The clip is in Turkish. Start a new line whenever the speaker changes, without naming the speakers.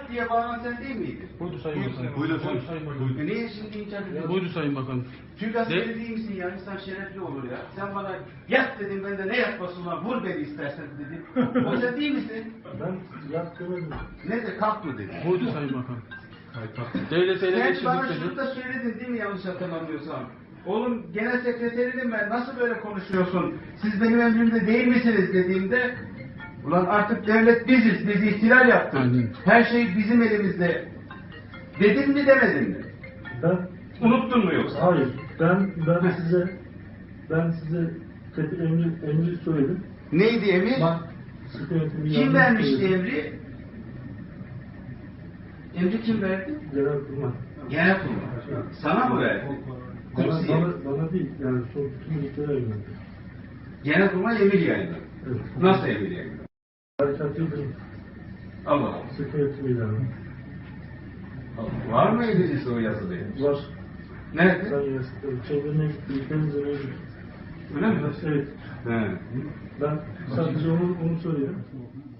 yat diye bağıran sen değil miydin?
Buydu Sayın Bakanım.
Buyurun.
Sayın Bakanım.
Niye şimdi inkar ediyorsun?
Buydu Sayın Bakanım.
Çünkü askeri değil misin ya? İnsan şerefli olur ya. Sen bana yat dedin, ben de ne yatması ulan, vur beni istersen dedim. O sen değil misin?
Ben yat demedim.
Ne de kalk mı dedin?
Buydu Sayın Bakanım. Devlet ele
Sen
geçirdik
bana şunu
dedi.
da söyledin değil mi, yanlış hatırlamıyorsam? Oğlum genel sekreterinim ben, nasıl böyle konuşuyorsun? Siz benim emrimde değil misiniz dediğimde, ulan artık devlet biziz, biz ihtilal yaptık.
Aynen.
Her şey bizim elimizde. Dedin mi demedin mi?
Ben
Unuttun mu yoksa?
hayır. Ben size emri söyledim.
Neydi emir?
Bak, sıkı yönetimi
Kim
yanlış
vermişti
söyledim.
emri? Emri kim verdi?
Genelkurmay.
Genelkurmay. Sana mı verdi? Kursiye.
Bana değil, yani son bütün ülkelere yöneldi.
Genelkurmay emir yayınladı.
Evet.
Nasıl emir yayınladı?
Harekat yıldırım.
Allah Allah.
Sıkı yönetimi ilanı.
Var mı elinizde o yazılı emir?
Var.
Nerede?
Ben çevrene ülkemizde mevcut.
Öyle mi?
Evet.
He.
Ben sadece onu söyledim.